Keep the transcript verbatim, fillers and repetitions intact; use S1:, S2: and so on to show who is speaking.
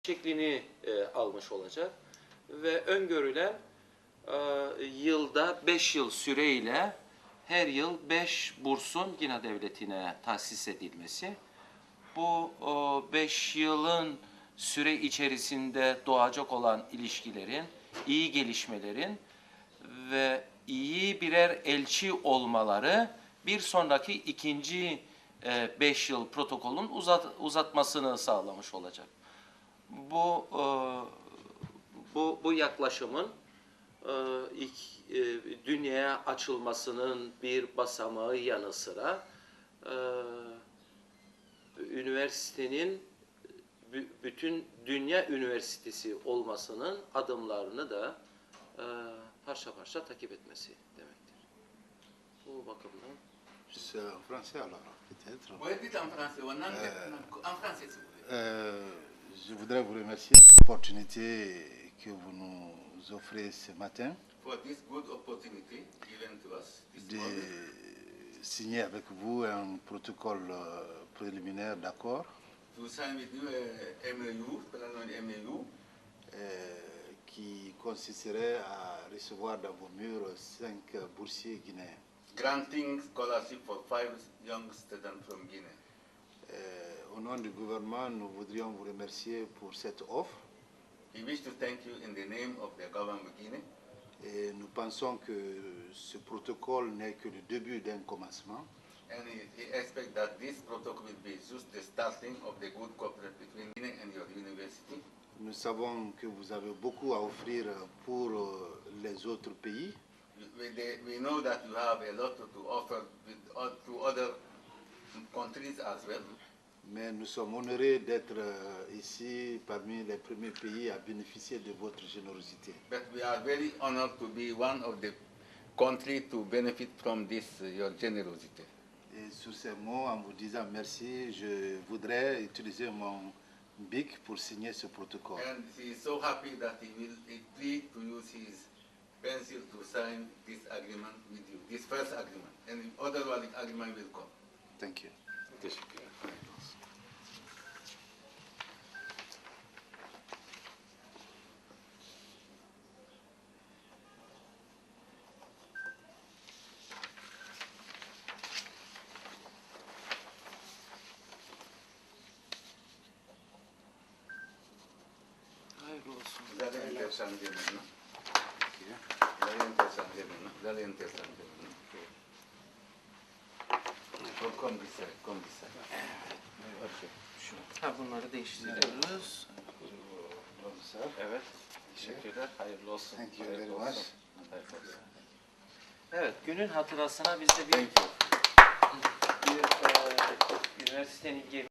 S1: şeklini e, almış olacak ve öngörülen e, yılda beş yıl süreyle her yıl beş bursun Gina Devleti'ne tahsis edilmesi. Bu beş yılın süre içerisinde doğacak olan ilişkilerin, iyi gelişmelerin ve iyi birer elçi olmaları bir sonraki ikinci e, beş yıl protokolün uzat, uzatmasını sağlamış olacak. Bu e, bu bu yaklaşımın e, ilk e, dünyaya açılmasının bir basamağı yanı sıra e, üniversitenin bütün dünya üniversitesi olmasının adımlarını da e, parça parça takip etmesi demektir. Bu bakımdan.
S2: C'est en français alors, peut-être.
S3: Oui, dites en français. On en, euh, en français, si vous voulez.
S2: Euh, je voudrais vous remercier de l'opportunité que vous nous offrez ce matin
S3: For this good opportunity given to us this
S2: de
S3: morning,
S2: signer avec vous un protocole euh, préliminaire d'accord
S3: to sign with you a M A U, Planning M A U,
S2: euh, qui consisterait à recevoir dans vos murs cinq boursiers guinéens.
S3: granting scholarship for five young students from Guinea.
S2: Euh, au nom du gouvernement, nous voudrions vous remercier pour cette offre.
S3: We wish to thank you in the name of the government of Guinea.
S2: Et nous pensons que ce protocole n'est que le début d'un commencement.
S3: And we we expect that this protocol will be just the starting of the good cooperation between Guinea and your university.
S2: Nous savons que vous avez beaucoup à offrir pour euh, les autres pays.
S3: We, we, we know that you have a lot to offer with, uh, to other countries as well.
S2: Mais nous sommes honorés d'être euh, ici parmi les premiers pays à bénéficier de votre générosité.
S3: But we are very honored to be one of the countries to benefit from this, uh, your generosity.
S2: Et sur ces mots, en vous disant merci, je voudrais utiliser mon bic pour signer ce protocole.
S3: And he is so happy that he will agree to use his pencil to sign this agreement with you, this first agreement. And other agreement will come.
S2: Thank you.
S1: Teşekkürler. Hayırlı olsun.
S3: Vous allez interchanger maintenant. Vous allez interchanger maintenant. Vous allez interchanger maintenant. Oh, comme ça, comme ça. Okay.
S1: Ha, bunları değiştiriyoruz. Evet. Teşekkürler. Hayırlı olsun.
S2: Thank you
S1: Hayırlı
S2: very
S1: olsun.
S2: much.
S1: Hayırlı olsun. Evet, günün hatırasına biz de bir,
S3: Thank you.
S1: bir e, üniversitenin